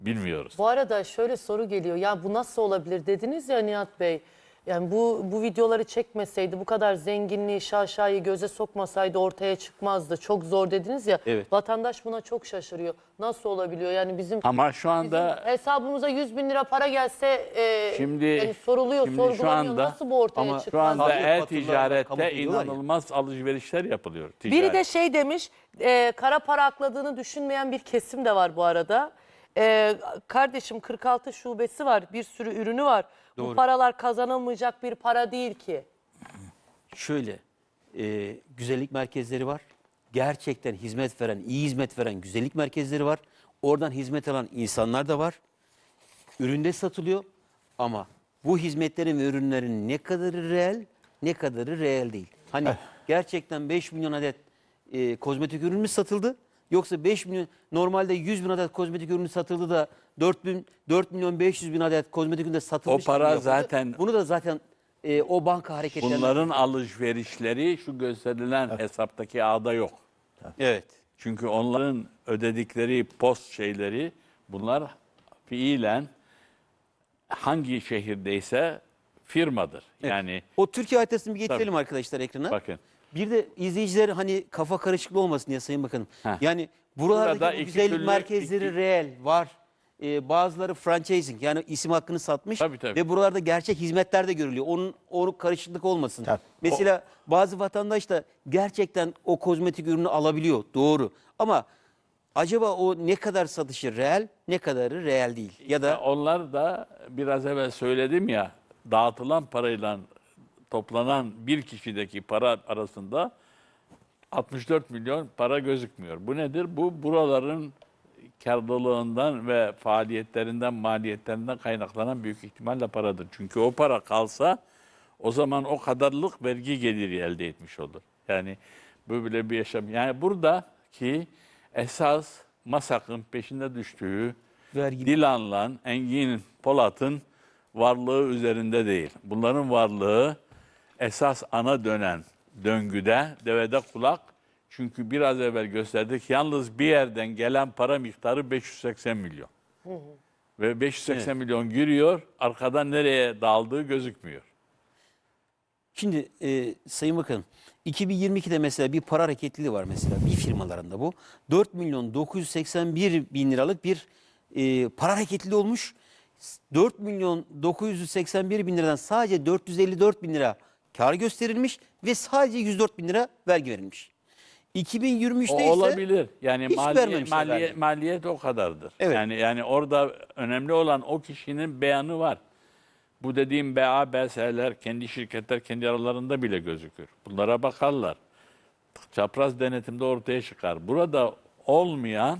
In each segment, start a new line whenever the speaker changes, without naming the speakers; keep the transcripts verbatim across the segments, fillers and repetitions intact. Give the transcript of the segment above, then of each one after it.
Bilmiyoruz.
Bu arada şöyle soru geliyor. Ya bu nasıl olabilir dediniz ya Nihat Bey. Yani bu bu videoları çekmeseydi, bu kadar zenginliği, şaşayı göze sokmasaydı ortaya çıkmazdı. Çok zor dediniz ya.
Evet.
Vatandaş buna çok şaşırıyor. Nasıl olabiliyor? Yani bizim,
Ama şu anda
bizim hesabımıza yüz bin lira para gelse e,
Şimdi-
yani soruluyor,
şimdi şu
sorgulanıyor.
anda-
Nasıl bu ortaya
Ama şu
şu
çıkmaz?
anda
Tabii, faturalarla kamu
e-ticarette
ediyorlar ya.
inanılmaz alışverişler yapılıyor.
Biri
Ticaret.
de şey demiş, e, kara para akladığını düşünmeyen bir kesim de var bu arada. E, kardeşim kırk altı şubesi var, bir sürü ürünü var. Bu
Doğru.
paralar kazanılmayacak bir para değil ki.
Şöyle, e, güzellik merkezleri var. Gerçekten hizmet veren, iyi hizmet veren güzellik merkezleri var. Oradan hizmet alan insanlar da var. Üründe satılıyor ama bu hizmetlerin ve ürünlerin ne kadarı reel, ne kadarı reel değil. Hani gerçekten beş milyon adet e, kozmetik ürün mü satıldı? Yoksa beş milyon, normalde yüz bin adet kozmetik ürünü satıldı da dört bin, dört milyon beş yüz bin adet kozmetik ürün de satılmış.
O para
gibi yapıldı.
zaten-
Bunu da zaten e, o banka hareketlerinde.
Bunların alışverişleri şu gösterilen hesaptaki ağda yok.
Evet.
Çünkü onların ödedikleri post şeyleri bunlar fiilen hangi şehirdeyse firmadır. Yani
O Türkiye haritasını bir getirelim
Tabii.
arkadaşlar ekrana.
bakın.
Bir de izleyiciler hani kafa karışıklığı olmasın diye Sayın Bakanım.
Heh.
Yani buralardaki
Burada
bu
iki
güzellik
türlü-
merkezleri
iki-
reel var. Ee, bazıları franchising yani isim hakkını satmış
Tabii, tabii.
ve buralarda gerçek hizmetler de görülüyor. Onun onu karışıklık olmasın.
Tabii.
Mesela bazı vatandaş da gerçekten o kozmetik ürünü alabiliyor. Doğru. Ama acaba o ne kadar satışı reel, ne kadarı reel değil? Ya
Ya
da
onlar da biraz evvel söyledim ya, dağıtılan parayla toplanan bir kişideki para arasında altmış dört milyon para gözükmüyor. Bu nedir? Bu buraların karlılığından ve faaliyetlerinden, maliyetlerinden kaynaklanan büyük ihtimalle paradır. Çünkü o para kalsa o zaman o kadarlık vergi geliri elde etmiş olur. Yani böyle bir yaşam. Yani buradaki esas MASAK'ın peşinde düştüğü
Vergi-
Dilan'la Engin Polat'ın varlığı üzerinde değil. Bunların varlığı esas ana dönen döngüde devede kulak. Çünkü biraz evvel gösterdik yalnız bir yerden gelen para miktarı beş yüz seksen milyon. Ve beş yüz seksen milyon giriyor, arkadan nereye daldığı gözükmüyor.
Şimdi e, Sayın Bakanım, iki bin yirmi ikide mesela bir para hareketliliği var mesela bir firmalarında bu. dört milyon dokuz yüz seksen bir bin liralık bir e, para hareketliliği olmuş. dört milyon dokuz yüz seksen bir bin liradan sadece dört yüz elli dört bin lira kar gösterilmiş ve sadece yüz dört bin lira vergi verilmiş. iki bin yirmi üçte
O
ise
olabilir. Yani
hiç
maliye,
vermemişler
maliye,
vergi.
maliyet o kadardır.
Evet.
Yani yani orada önemli olan o kişinin beyanı var. Bu dediğim B A B S'ler, kendi şirketler kendi aralarında bile gözükür. Bunlara bakarlar. Çapraz denetimde ortaya çıkar. Burada olmayan,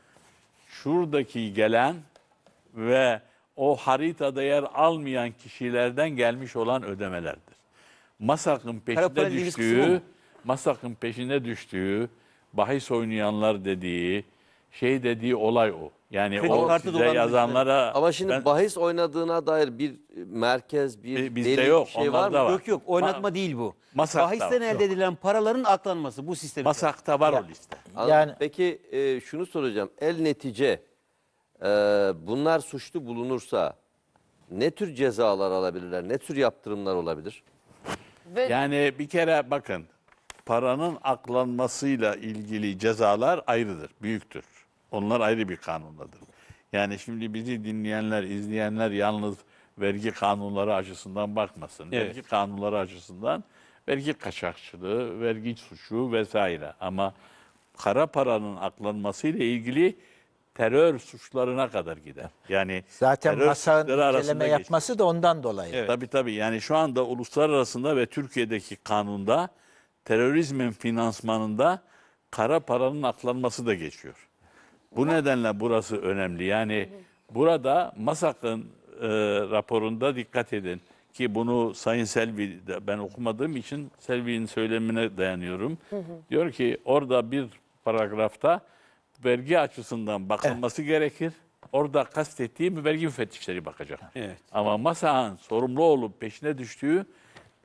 şuradaki gelen ve o haritada yer almayan kişilerden gelmiş olan ödemelerdir. MASAK'ın
Kara para
peşinde
dediğiniz kısmı o
düştüğü,
mu?
MASAK'ın peşinde düştüğü, bahis oynayanlar dediği, şey dediği olay o. Yani
Kredi
o
kartı
size
dolandırıcıları.
yazanlara...
Ama şimdi
ben-
bahis oynadığına dair bir merkez, bir
Bi- bizde
delil,
yok,
bir şey var
onlarda
mı?
var.
Yok yok oynatma
Ma-
değil bu.
Masakta
Bahisten
var,
elde edilen paraların aklanması bu sistem.
MASAK'ta var o liste.
Anladım.
Yani-
Peki e, şunu soracağım. El netice e, bunlar suçlu bulunursa ne tür cezalar alabilirler? Ne tür yaptırımlar olabilir?
Ve
Yani bir kere bakın, paranın aklanmasıyla ilgili cezalar ayrıdır, büyüktür. Onlar ayrı bir kanundadır. Yani şimdi bizi dinleyenler, izleyenler yalnız vergi kanunları açısından bakmasın.
Evet.
Vergi kanunları açısından vergi kaçakçılığı, vergi suçu vesaire. Ama kara paranın aklanmasıyla ilgili terör suçlarına kadar gider. Yani
Zaten
terör
MASAK'ın
suçları arasında
inceleme
geçer.
yapması da ondan dolayı.
Evet.
Tabii tabii. Yani şu anda uluslararasında ve Türkiye'deki kanunda terörizmin finansmanında kara paranın aklanması da geçiyor. Bu nedenle burası önemli. Yani burada MASAK'ın e, raporunda dikkat edin ki bunu Sayın Selvi, de- ben okumadığım için Selvi'nin söylemine dayanıyorum. Diyor ki orada bir paragrafta vergi açısından bakılması gerekir. Orada kastettiğim vergi müfettişleri bakacak.
Evet.
Ama MASAK'ın sorumlu olup peşine düştüğü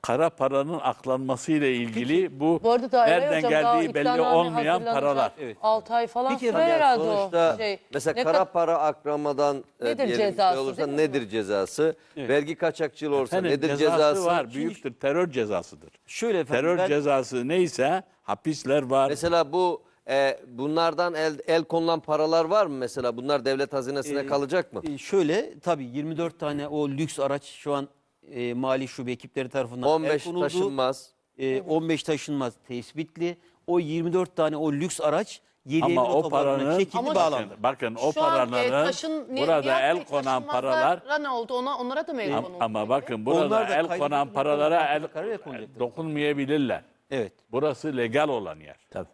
kara paranın aklanmasıyla ilgili bu,
Bu arada da Eray
nereden
Hocam daha
geldiği belli
iddianame
olmayan
hazırlanacak.
paralar.
Evet.
altı ay falan
Bir kere
sürer
ya
herhalde
Sonuçta
o şey.
mesela
Ne
kara
kad-
para aklamadan e,
Nedir
diyelim
cezası,
şey olursa
değil mi
nedir cezası?
Evet.
Vergi kaçakçılığı olursa
Efendim,
nedir
cezası,
cezası?
var, büyüktür. Terör cezasıdır.
Şöyle efendim
Terör
ben,
cezası neyse hapisler var.
Mesela bu e, bunlardan el, el konulan paralar var mı mesela? Bunlar devlet hazinesine
Ee,
kalacak mı?
e, şöyle tabii yirmi dört tane o lüks araç şu an e, mali şube ekipleri tarafından
on
el
beş
konuldu.
taşınmaz.
E, on beş taşınmaz tespitli. O yirmi dört tane o lüks araç yedi
Ama
Eylül
o
otobanına
paranın,
çekildi,
Ama
bağlandı.
bakın, bakın o
Şu an, e,
paraların
taşın- Ni-
burada
Nihat Bey,
el konan paralar,
taşınmazlara ne oldu? Ona, onlara da mı el
Am-
konuldu?
ama
peki?
bakın burada
Onlar da
el
kaydı
konan
hükümete
paralara
olan
el
kararı konacaklar.
dokunmayabilirler.
Evet.
Burası legal olan yer.
Tabii.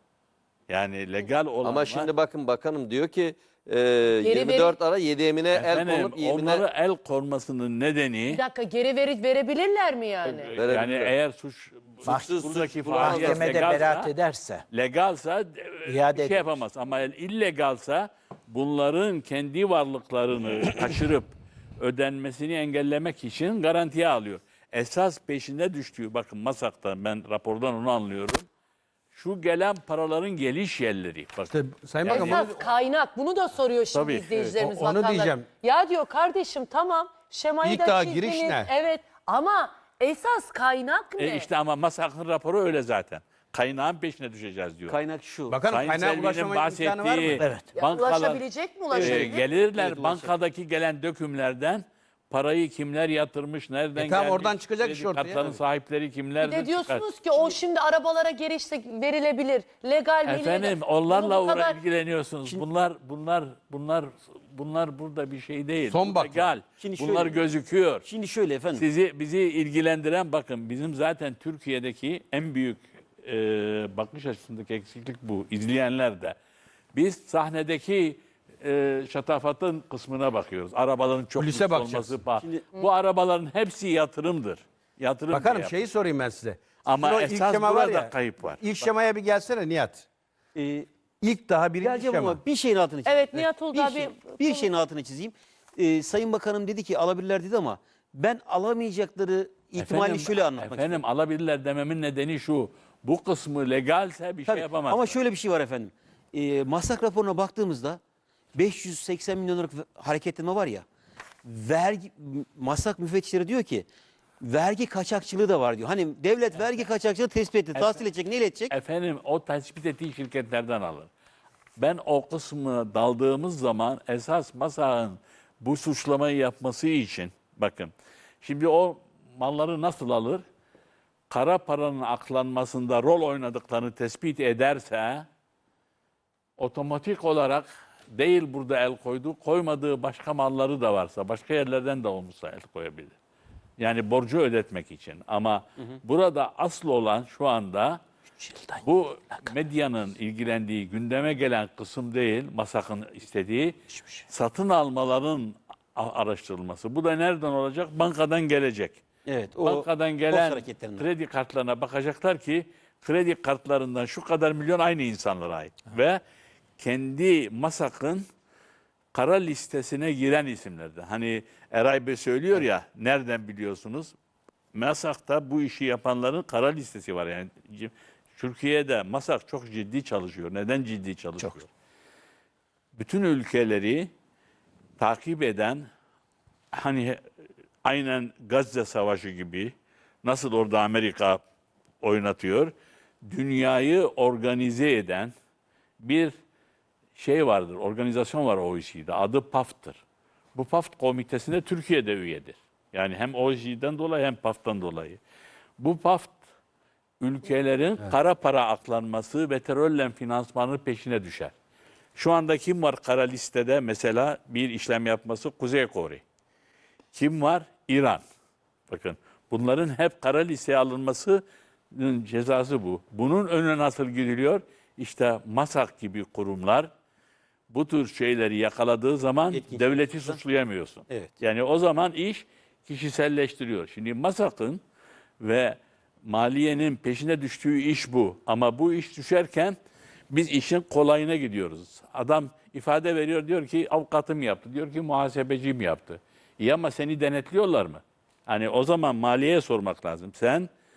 Yani legal olan
Ama
var.
şimdi bakın bakanım diyor ki e, yirmi dört ara yedi emine el
Efendim,
konup yemine
onları el konmasının nedeni
Bir dakika, geri veri verebilirler mi yani?
yani
verebilirler.
eğer suç
Suçsuz
buradaki
suç
faaliyet
Mahkemede beraat
legalsa,
ederse
legalsa e,
İade
bir şey
edilir.
yapamaz. Ama illegalsa bunların kendi varlıklarını kaçırıp ödenmesini engellemek için garantiye alıyor. Esas peşinde düştüğü, bakın Masak'tan ben rapordan onu anlıyorum. Şu gelen paraların geliş yerleri. Bakın.
işte Sayın Bakan bunu-
Esas kaynak, bunu da soruyor şimdi
Tabii,
izleyicilerimiz,
evet. O- onu
vatandaş.
diyeceğim.
Ya diyor kardeşim, tamam şemayı
İlk
da
daha
çizdiniz.
giriş ne?
Evet, ama esas kaynak ne?
E işte ama Masak'ın raporu öyle zaten. Kaynağın peşine düşeceğiz diyor.
Kaynak şu.
Bakanım
Sayın
kaynağa
Selvi'nin
ulaşma imkanı var mı?
bahsettiği
Evet.
Ya
bankalar,
ulaşabilecek mi,
e,
ulaşabilir?
gelirler
Evet, ulaşacak.
bankadaki gelen dökümlerden parayı kimler yatırmış, nereden
E tamam,
gelmiş,
oradan çıkacak
kredi
iş ortaya.
kartlarının sahipleri
Bir
kimlerdir
de diyorsunuz ki o şimdi arabalara geri işte verilebilir. Legal mi?
Efendim
illegal-
onlarla
Bunu bu kadar-
uğra- ilgileniyorsunuz. Bunlar bunlar bunlar bunlar burada bir şey değil.
Son
Bu
bak-
legal.
Şimdi
Bunlar
şöyle-
gözüküyor.
Şimdi şöyle efendim.
Sizi bizi ilgilendiren, bakın bizim zaten Türkiye'deki en büyük e, bakış açısındaki eksiklik bu. İzleyenler de. Biz sahnedeki e, şatafatın kısmına bakıyoruz. Arabaların çok
Kulise
lüks
bakacağız.
olması. Şimdi, bu arabaların hepsi yatırımdır. Yatırım
Bakanım
diye
şeyi sorayım ben size.
Ama
Sizin o ilk
esas
şema var
burada
ya,
kayıp var.
İlk şemaya bir gelsene Nihat.
e,
İlk daha birinci
geleceğim
şema.
ama bir şeyin altını çizeyim.
Evet, Nihat Uludağ
bir, şey,
bir-
bir şeyin altını çizeyim. E, Sayın Bakanım dedi ki alabilirler dedi ama ben alamayacakları ihtimalini
Efendim,
şöyle anlatmak
efendim,
istiyorum.
alabilirler dememin nedeni şu. Bu kısmı legalse bir
Tabii,
şey yapamazlar.
ama şöyle bir şey var efendim. E, Maslak raporuna baktığımızda beş yüz seksen milyon liralık hareketlenme var ya. Vergi Maslak müfettişleri diyor ki vergi kaçakçılığı da var diyor. Hani devlet vergi kaçakçılığı tespit etti. Tahsil edecek, neyle edecek?
Efendim o tespit ettiği şirketlerden alır. Ben o kısmı daldığımız zaman esas Masak'ın bu suçlamayı yapması için, bakın şimdi o malları nasıl alır? Kara paranın aklanmasında rol oynadıklarını tespit ederse otomatik olarak değil burada el koyduğu, koymadığı başka malları da varsa, başka yerlerden de olmuşsa el koyabilir. Yani borcu ödetmek için. Ama burada asıl olan şu anda bu medyanın ilgilendiği, gündeme gelen kısım değil, Masak'ın istediği satın almaların a- araştırılması. Bu da nereden olacak? Bankadan gelecek.
Evet. O
Bankadan
borç
gelen
hareketlerinden.
kredi kartlarına bakacaklar ki kredi kartlarından şu kadar milyon aynı insanlara ait. Ve kendi Masak'ın kara listesine giren isimlerden. Hani Eray Bey söylüyor ya, nereden biliyorsunuz? Masak'ta bu işi yapanların kara listesi var. Yani c- Türkiye'de Masak çok ciddi çalışıyor. Neden ciddi çalışıyor? Bütün ülkeleri takip eden, hani aynen Gazze Savaşı gibi, nasıl orada Amerika oynatıyor, dünyayı organize eden bir şey vardır, organizasyon var O E C D'de, adı P A F'tır. Bu P A F komitesine Türkiye'de üyedir. Yani hem O E C D'den dolayı hem P A F'tan dolayı. Bu P A F ülkelerin kara para aklanması ve terörle finansmanı peşine düşer. Şu anda kim var kara listede mesela bir işlem yapması? Kuzey Kore. Kim var? İran. Bakın bunların hep kara listeye alınmasının cezası bu. Bunun önüne nasıl gidiliyor? İşte Masak gibi kurumlar bu tür şeyleri yakaladığı zaman
Etkin
devleti
şekilde.
suçlayamıyorsun.
Evet.
Yani o zaman iş kişiselleştiriyor. Şimdi Masak'ın ve maliyenin peşine düştüğü iş bu. Ama bu iş düşerken biz işin kolayına gidiyoruz. Adam ifade veriyor, diyor ki avukatım yaptı, diyor ki muhasebecim yaptı. İyi ama seni denetliyorlar mı? Hani o zaman maliyeye sormak lazım. Sen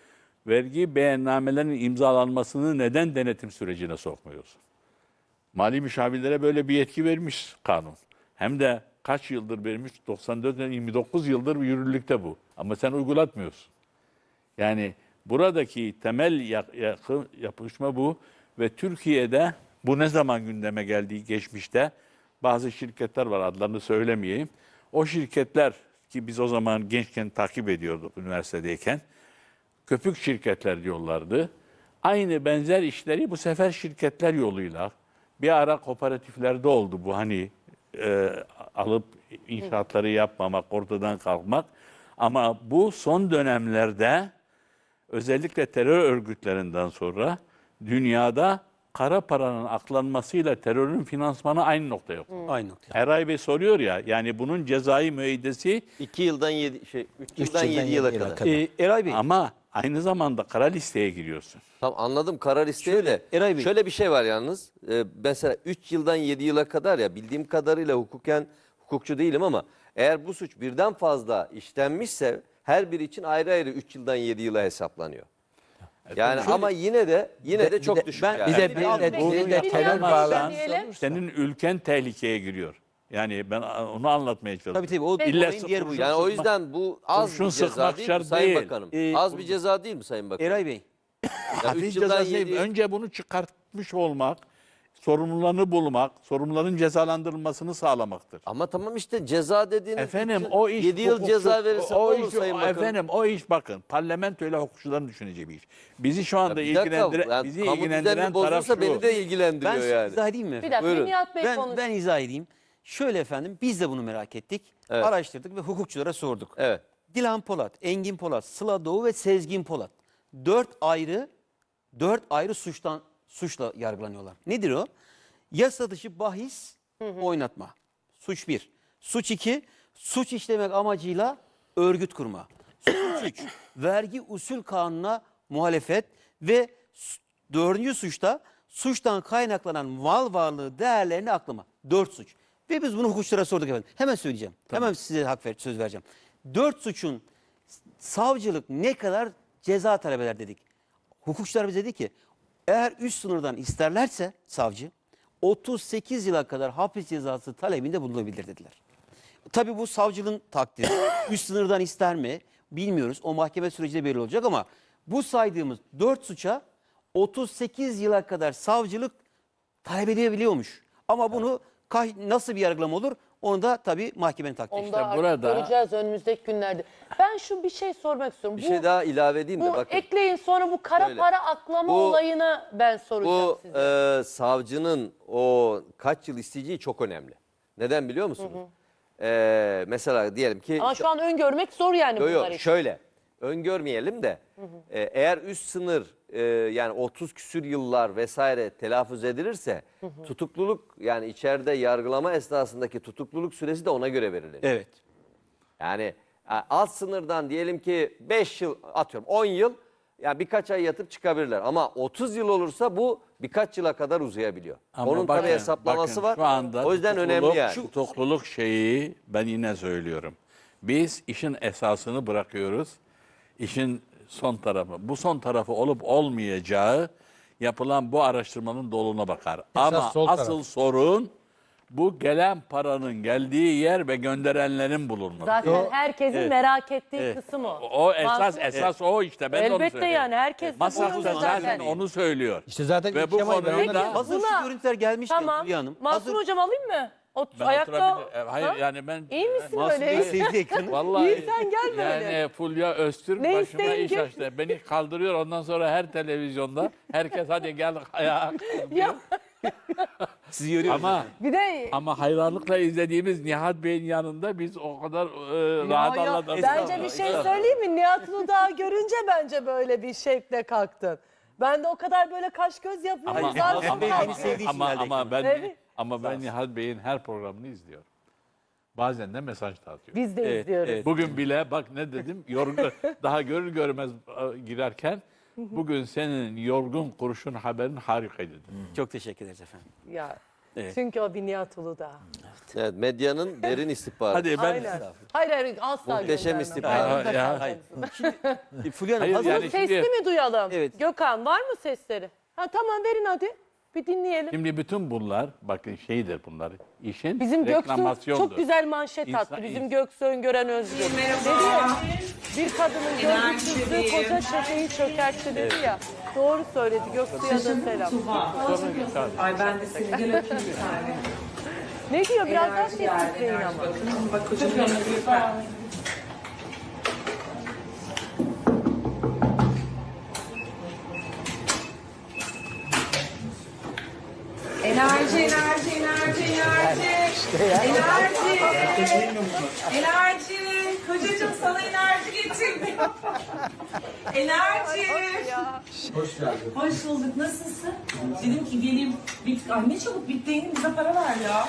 vergi beyannamelerinin imzalanmasını neden denetim sürecine sokmuyorsun? Mali müşavirlere böyle bir yetki vermiş kanun. Hem de kaç yıldır vermiş? doksan dört, yirmi dokuz yıldır yürürlükte bu. Ama sen uygulatmıyorsun. Yani buradaki temel yakın yapışma bu ve Türkiye'de bu ne zaman gündeme geldiği geçmişte bazı şirketler var, adlarını söylemeyeyim. O şirketler ki biz o zaman gençken takip ediyorduk üniversitedeyken, köpük şirketler diyorlardı. Aynı benzer işleri bu sefer şirketler yoluyla bir ara kooperatiflerde oldu bu, hani e, alıp inşaatları yapmamak, ortadan kalkmak. Ama bu son dönemlerde özellikle terör örgütlerinden sonra dünyada kara paranın aklanmasıyla terörün finansmanı aynı noktaya kondu.
Aynı nokta.
Eray Bey soruyor ya, yani bunun cezai müeyyidesi
iki yıldan yedi şey üç yıldan
yıldan
yedi yıla
yedi yıla
kadar.
kadar.
Ee, Eray Bey,
ama aynı zamanda kara listeye giriyorsun.
Tamam, anladım karar isteği
Şöyle,
de.
Eray Bey.
Şöyle bir şey var yalnız. Ee, mesela üç yıldan yedi yıla kadar, ya bildiğim kadarıyla hukuken hukukçu değilim ama eğer bu suç birden fazla işlenmişse her biri için ayrı ayrı üç yıldan yedi yıla hesaplanıyor. Yani ama yine de yine de çok düşük
ben-
yani.
Bir de bir
Nihat
de,
Bey,
bir de
bir
terör
Nihat
bağlantısı
Bey diyelim.
Senin ülken tehlikeye giriyor. Yani ben onu anlatmaya çalışıyorum.
tabii tabii o
İlle
olayın diğer
kurşun
boyutu.
Yani o
sıkma-
yüzden bu az
kurşun
bir ceza
sıkmak
değil mi
şart
Sayın
değil.
Bakanım?
Ee,
az bir ceza değil mi Sayın Bakanım?
Eray Bey,
Hafif
üç yıldan
cezası değil.
yedi-
Önce bunu çıkartmış olmak, sorumlularını bulmak, sorumluların cezalandırılmasını sağlamaktır.
Ama tamam işte ceza dediğiniz
Efendim
üç yıl-
o iş
yedi yıl
hukukçu-
ceza verirse ne
o
olur
iş,
Sayın Bakanım?
efendim o iş bakın parlamentoyla hukukçuların düşüneceği bir iş. Bizi şu anda
Bir dakika,
ilgilendiren
yani
bizi
kamu
ilgilendiren
düzenini
taraf
bozulursa
şu.
beni de ilgilendiriyor
ben size
yani.
izah edeyim mi?
Bir
efendim?
dakika
Buyurun.
Nihat Bey
Ben,
konuş.
ben izah edeyim. Şöyle efendim, biz de bunu merak ettik.
Evet.
Araştırdık ve hukukçulara sorduk.
Evet.
Dilan Polat, Engin Polat, Sıla Doğu ve Sezgin Polat. Dört ayrı, dört ayrı suçtan suçla yargılanıyorlar. Nedir o? Yasa dışı bahis oynatma. Suç bir. Suç iki, suç işlemek amacıyla örgüt kurma. Suç üç, vergi usul kanununa muhalefet ve s- dördüncü suçta suçtan kaynaklanan mal varlığı değerlerini aklama. Dört suç. Ve biz bunu hukukçulara sorduk efendim. Hemen söyleyeceğim. Hemen size hak ver, söz vereceğim. Dört suçun savcılık ne kadar ceza talep eder dedik. Hukukçular bize dedi ki eğer üst sınırdan isterlerse savcı otuz sekiz yıla kadar hapis cezası talebinde bulunabilir dediler. Tabii bu savcının takdiri. Üst sınırdan ister mi bilmiyoruz. O mahkeme sürecinde belli olacak ama bu saydığımız dört suça otuz sekiz yıla kadar savcılık talep edebiliyormuş. Ama bunu kah- nasıl bir yargılama olur onu da tabii mahkemenin takdiri.
Onu da artık
burada-
göreceğiz önümüzdeki günlerde. Ben şu bir şey sormak istiyorum.
Bir
bu,
şey daha ilave edeyim de
bu
bakın.
ekleyin sonra bu kara
Şöyle.
para aklama
Bu-
olayına ben soracağım
Bu
size.
e, savcının o kaç yıl isteyeceği çok önemli. Neden biliyor musunuz? E, mesela diyelim ki
Ama şu an öngörmek zor yani
Yo, yo,
bunlar için.
şöyle öngörmeyelim de e, eğer üst sınır e, yani otuz küsür yıllar vesaire telaffuz edilirse tutukluluk, yani içeride yargılama esnasındaki tutukluluk süresi de ona göre verilir.
Evet.
Yani e, alt sınırdan diyelim ki beş yıl, atıyorum on yıl, yani birkaç ay yatıp çıkabilirler. Ama otuz yıl olursa bu birkaç yıla kadar uzayabiliyor.
Ama
Onun
bakın,
tabii hesaplaması
bakın,
var.
Şu anda
O yüzden
tutukluluk-
önemli yani.
Tutukluluk şeyi ben yine söylüyorum. Biz işin esasını bırakıyoruz. İşin son tarafı. Bu son tarafı olup olmayacağı yapılan bu araştırmanın doluna bakar. Ama
sol
asıl
taraf.
sorun bu gelen paranın geldiği yer ve gönderenlerin bulunması.
Zaten herkesin merak ettiği kısım o.
O esas
Mansur-
esas o işte. Ben de onu
Elbette
söylüyorum.
yani herkes
Masaf
bunu
da zaten
zaten.
onu söylüyor.
İşte zaten
Ve
ilk
bu
Kemal Bey
konuyu
ondan-
da-
Hazır
Buna-
şu görüntüler gelmişken
Tamam.
Hülya Hanım.
Mansur
hazır-
hocam alayım mı? Ot,
Ben
ayakta.
oturabilir- e, Hayır
Ha?
yani ben
İyi misin
Mansur
böyle?
Bey-
Sevdi ekranı.
Vallahi
İyi, sen gel böyle.
Yani Fulya Öztürk
Ne
başıma iş
isteyince-
açtı. Beni kaldırıyor, ondan sonra her televizyonda herkes hadi gel ayağa.
Ya,
Sizi görüyorum.
Ama
bir de
ama hayranlıkla izlediğimiz Nihat Bey'in yanında biz o kadar e, rahat
Ya, ya,
anladık.
bence bir şey söyleyeyim mi? Nihat Uludağ'ı görünce bence böyle bir şekle kalktın. Ben de o kadar böyle kaş göz yapıyorum.
Ama,
zaten
Nihat Bey
kalktım.
beni sevdiği için
ama,
geldi
ama
ekrana.
ben
Evet.
ama ben Nihat Bey'in her programını izliyorum. Bazen de mesaj da atıyor.
Biz de
Evet,
izliyoruz.
evet.
Bugün bile bak ne dedim, yorgun, daha görür görmez e, girerken bugün senin yorgun kurşun haberin harikaydı dedim.
Çok teşekkür ederiz efendim.
Ya Çünkü o bir Nihat Uludağ.
Evet, medyanın derin istihbaratı.
Hadi ben
Aynen. Hayır hayır asla
Muhteşem
göndermem.
istihbarat.
Ayrımda
Ya,
kalacağım.
Hayır. E, Fulya Hanım
Hayır,
hazır-
yani
Bunu
şimdi-
sesli mi duyalım?
Evet.
Gökhan var mı sesleri? Ha tamam verin hadi. Bir dinleyelim.
Şimdi bütün bunlar bakın şeydir bunlar. İşin
Bizim Göksu
reklamasyondur.
çok güzel manşet
İnsan-
attı. Bizim Göksu Öngören Özgür. Dedi
Merhaba.
ya, bir kadının görgüsüzlüğü koca çeteyi çökertti dedi ya. Doğru söyledi. Göksu'ya da selam.
Ay ben de seni gel öpeyim bir tane.
Ne diyor? Biraz daha
Enerji yani,
sesli deyin
enerji.
ama.
Bakın bak kocamın yanına bir bak. Enerji, enerji, enerji, enerji. Enerji. Enerji. Kocacığım sana enerji getirdim. Enerji.
Hoş geldin.
Hoş bulduk. Nasılsın? Dedim ki geleyim. Bit Ay ne çabuk bittiğini bize para ver ya.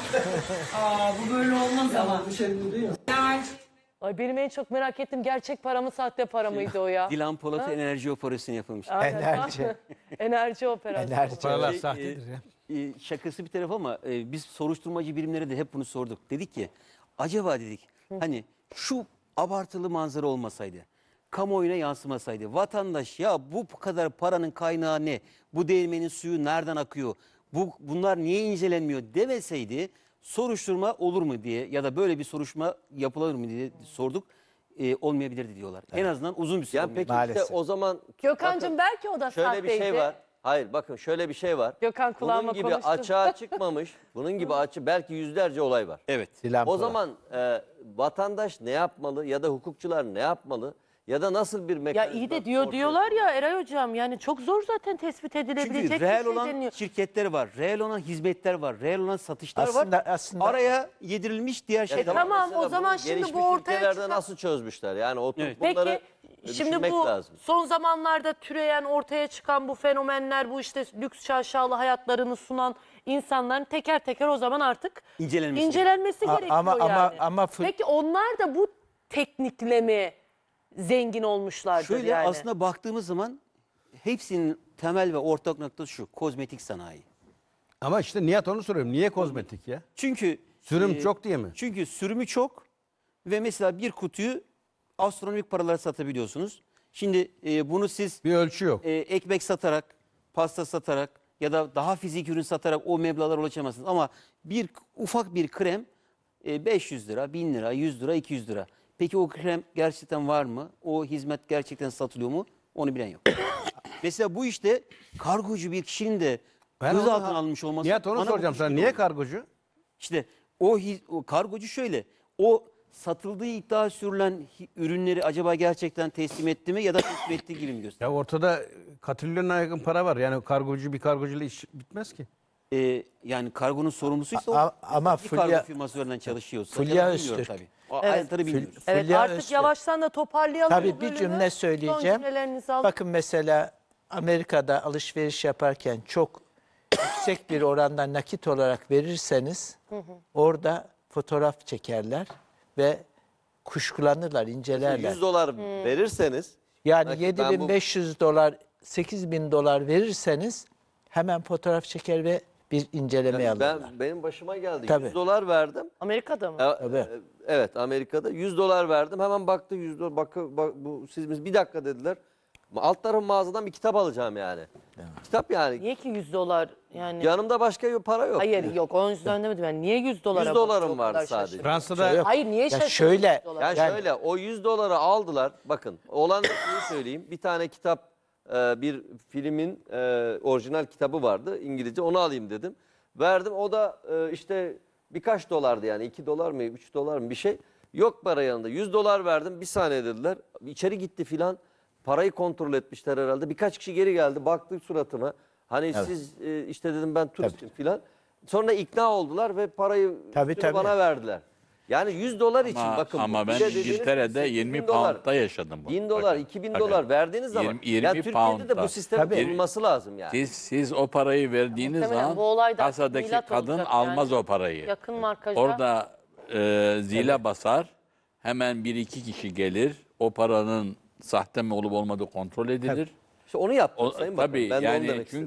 Aa bu böyle olmaz ama.
Bu şey değil mi?
Enerji.
Ay benim en çok merak ettim. Gerçek para mı sahte para mıydı o ya?
Dilan Polat'a enerji operasyonu yapılmış.
Aynen.
Enerji.
Enerji operasyonu.
Enerji. Paralar
Şey,
sahtedir ya.
E, şakası bir taraf ama e, biz soruşturmacı birimlere de hep bunu sorduk. Dedik ki acaba dedik hani şu abartılı manzara olmasaydı, kamuoyuna yansımasaydı, vatandaş ya bu kadar paranın kaynağı ne, bu değirmenin suyu nereden akıyor, bu bunlar niye incelenmiyor demeseydi soruşturma olur mu diye ya da böyle bir soruşturma yapılır mı diye sorduk. E, olmayabilirdi diyorlar. En azından uzun bir süre.
Ya peki
Maalesef.
işte o zaman
Gökhan'cığım
bakın,
belki o da
şöyle
sahteydi.
bir şey var. Hayır bakın şöyle bir şey var.
Gökhan kulağıma
Bunun gibi
konuştu.
açığa çıkmamış, bunun gibi açı belki yüzlerce olay var.
Evet.
Dilan
O
Polat.
zaman e, vatandaş ne yapmalı ya da hukukçular ne yapmalı ya da nasıl bir
Ya
mekanizma
iyi de diyor
ortaya
diyorlar ya Eray Hocam yani çok zor zaten tespit edilebilecek
Çünkü
bir
reel
şey
olan
deniyor.
şirketler var, reel olan hizmetler var, reel olan satışlar
Aslında-
var.
aslında-
Araya yedirilmiş diğer şeyler.
E tamam,
Mesela
o zaman
bunu
şimdi
gelişmiş
bu ortaya
ülkelerde
çıkan-
nasıl çözmüşler? Yani oturup
Evet.
bunları
Peki şimdi
düşünmek
bu
lazım.
son zamanlarda türeyen ortaya çıkan bu fenomenler bu işte lüks şaşalı hayatlarını sunan insanların teker teker o zaman artık
İncelenmesi.
incelenmesi
A-
gerekiyor
ama-
yani.
ama- ama fı-
Peki onlar da bu teknikle mi zengin olmuşlardır
Şöyle
yani?
aslında baktığımız zaman hepsinin temel ve ortak noktası şu, kozmetik sanayi.
Ama işte Nihat onu soruyorum. Niye kozmetik ya?
Çünkü
Sürüm
e,
çok diye mi?
Çünkü sürümü çok ve mesela bir kutuyu astronomik paralara satabiliyorsunuz. Şimdi e, bunu siz
Bir ölçü yok.
e, ekmek satarak, pasta satarak ya da daha fizik ürün satarak o meblağlara ulaşamazsınız. Ama bir ufak bir krem e, beş yüz lira, bin lira, yüz lira, iki yüz lira. Peki o krem gerçekten var mı? O hizmet gerçekten satılıyor mu? Onu bilen yok. Mesela bu işte kargocu bir kişinin de
Ben
gözaltına
onu-
alınmış olması.
Nihat onu
bana bu
soracağım sana.
kuşku
Niye
doğuruyor.
kargocu?
İşte o, hi- o kargocu şöyle, o satıldığı iddia sürülen hi- ürünleri acaba gerçekten teslim etti mi ya da teslim ettiği gibi mi gösteriyor?
Ya ortada katrilyona yakın para var. Yani kargocu bir kargocuyla iş bitmez ki.
Ee, yani kargonun sorumlusuysa o
A- ama
bir
Fulya-
kargo firması üzerinden çalışıyorsa.
Fulya
ya da bilmiyorum
Öztürk.
tabii. O ayrıntıları bilmiyoruz.
Evet
Fulya
artık
Öztürk.
yavaştan da toparlayalım.
Tabii
bu
bir
bölümü.
cümle
Son
söyleyeceğim.
cümlelerinizi alın.
Bakın mesela Amerika'da alışveriş yaparken çok yüksek bir oranda nakit olarak verirseniz orada fotoğraf çekerler ve kuşkulanırlar, incelerler.
yüz dolar verirseniz
Yani
nakit,
yedi
ben
bin
bu-
beş yüz dolar, sekiz bin dolar verirseniz hemen fotoğraf çeker ve bir inceleme
yani
alırlar.
ben benim başıma geldi.
Tabii.
yüz dolar verdim.
Amerika'da mı?
E,
Tabii.
e, Evet Amerika'da yüz dolar verdim. Hemen baktı yüz dolar. Bak, bak bu siz bir dakika dediler. Alt tarafı mağazadan bir kitap alacağım yani. Kitap yani.
Niye ki yüz dolar yani?
Yanımda başka bir para yok.
Hayır yok o yüzden demedim ben. Niye yüz dolara
yüz
bakıyor
dolarım
o kadar
vardı sadece.
şaşırdım?
Fransa'da
Şey yok.
Hayır niye
Ya
şaşırdın?
şöyle,
yüz dolara?
Yani,
Yani-
şöyle o yüz doları aldılar. Bakın olan şeyi söyleyeyim. Bir tane kitap e, bir filmin e, orijinal kitabı vardı İngilizce. Onu alayım dedim. Verdim. O da e, işte birkaç dolardı yani. iki dolar mı üç dolar mı bir şey. Yok para yanında. yüz dolar verdim. Bir saniye dediler. İçeri gitti filan. Parayı kontrol etmişler herhalde. Birkaç kişi geri geldi. Baktı suratıma. Hani siz e, işte dedim ben turistim filan. Sonra ikna oldular ve parayı
Tabii,
üstünü
tabii.
bana verdiler. Yani yüz dolar için
Ama,
bakın. bu.
ama
Bir
ben
de dediğiniz
İngiltere'de
gibi
yirmi
bin dolar,
pound'da yaşadım bunu.
bin dolar,
Bakın,
iki bin
bakın.
dolar verdiğiniz zaman
Yirmi- yirmi
ya Türkiye'de de
pound'da.
bu sistemin
Tabii.
kurulması lazım yani.
Siz, siz o parayı verdiğiniz
Muhtemelen
zaman
bu olay da
kasadaki
milat
kadın
olacak
almaz
yani.
o parayı.
Yakın markajda.
Orada e, zile basar. Hemen bir iki kişi gelir. O paranın sahte mi olup olmadığı kontrol edilir.
İşte onu yaptım
O,
Sayın Bakan.
tabii
Ben de onu
yani
demek istedim.
çünkü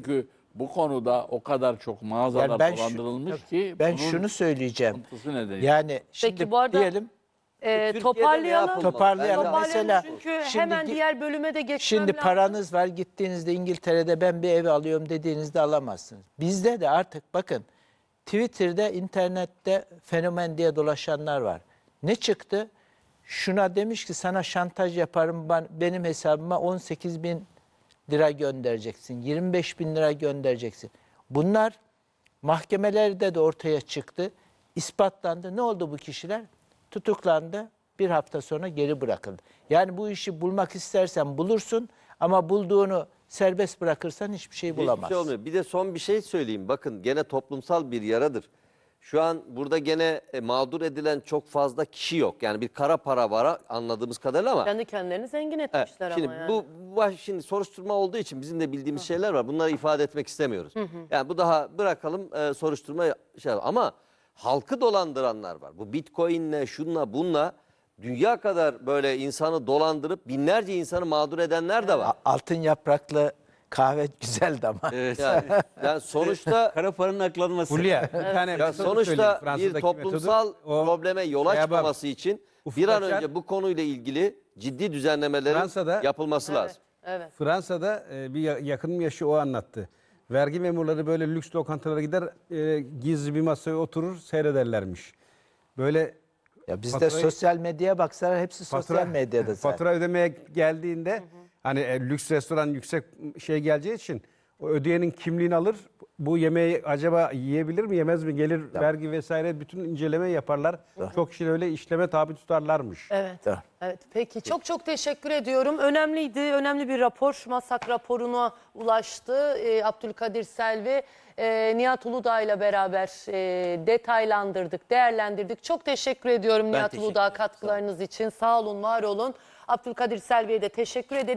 bu konuda o kadar çok mağazalar
Yani ben şu-
dolandırılmış ki
Ben
bunun
şunu söyleyeceğim.
sıkıntısı nedeniyle.
Yani şimdi
bu arada-
diyelim
Ee,
Türkiye'de ne
toparlayalım.
yapılmalı?
Toparlayalım.
Bence-
Toparlayalım
Mesela
çünkü
şimdi
hemen
gi-
diğer bölüme de geçmem
Şimdi
lazım.
paranız var, gittiğinizde İngiltere'de ben bir ev alıyorum dediğinizde alamazsınız. Bizde de artık bakın Twitter'da, internette fenomen diye dolaşanlar var. Ne çıktı? Şuna demiş ki sana şantaj yaparım, ben, benim hesabıma on sekiz bin lira göndereceksin, yirmi beş bin lira göndereceksin. Bunlar mahkemelerde de ortaya çıktı, ispatlandı. Ne oldu bu kişiler? Tutuklandı, bir hafta sonra geri bırakıldı. Yani bu işi bulmak istersen bulursun ama bulduğunu serbest bırakırsan hiçbir şey
Hiçbir
bulamazsın.
şey olmuyor. Bir de son bir şey söyleyeyim. Bakın gene toplumsal bir yaradır. Şu an burada gene e, mağdur edilen çok fazla kişi yok. Yani bir kara para var anladığımız kadarıyla ama.
Kendi kendilerini zengin
Evet,
etmişler
şimdi
ama yani.
bu bu şimdi soruşturma olduğu için bizim de bildiğimiz şeyler var. Bunları ifade etmek istemiyoruz. Yani bu daha bırakalım e, soruşturma şey ama halkı dolandıranlar var. Bu Bitcoin'le şunla bunla dünya kadar böyle insanı dolandırıp binlerce insanı mağdur edenler de var.
A- Altın yapraklı kahve güzeldi ama.
Evet.
Yani, yani sonuçta
Kara paranın aklanması.
Hulya, bir tane
ya
metodu söyleyeyim.
sonuçta bir
Fransa'daki
toplumsal
metodu. O
probleme yol
şeye bak,
açmaması için
ufuk
bir an
açar.
önce bu konuyla ilgili ciddi düzenlemelerin
Fransa'da-
yapılması lazım.
Evet.
Fransa'da e, bir ya- yakınım yaşı o anlattı. Vergi memurları böyle lüks lokantalara gider, e, gizli bir masaya oturur, seyrederlermiş. Böyle
Ya bizde
Faturayı-
sosyal medyaya baksalar hepsi sosyal medyada zaten.
fatura ödemeye geldiğinde hani e, lüks restoran yüksek şey geleceği için o ödeyenin kimliğini alır. Bu yemeği acaba yiyebilir mi yemez mi gelir vergi vesaire bütün inceleme yaparlar. Çok kişi öyle işleme tabi tutarlarmış.
Evet.
Tamam.
Evet. Peki çok çok teşekkür ediyorum. Önemliydi. Önemli bir rapor. Masak raporuna ulaştı. Ee, Abdülkadir Selvi, e, Nihat Uludağ ile beraber e, detaylandırdık, değerlendirdik. Çok teşekkür ediyorum Nihat
teşekkür
Uludağ
ederim. Sağ olun.
katkılarınız için. Sağ olun, var olun. Abdülkadir Selvi'ye de teşekkür ederim.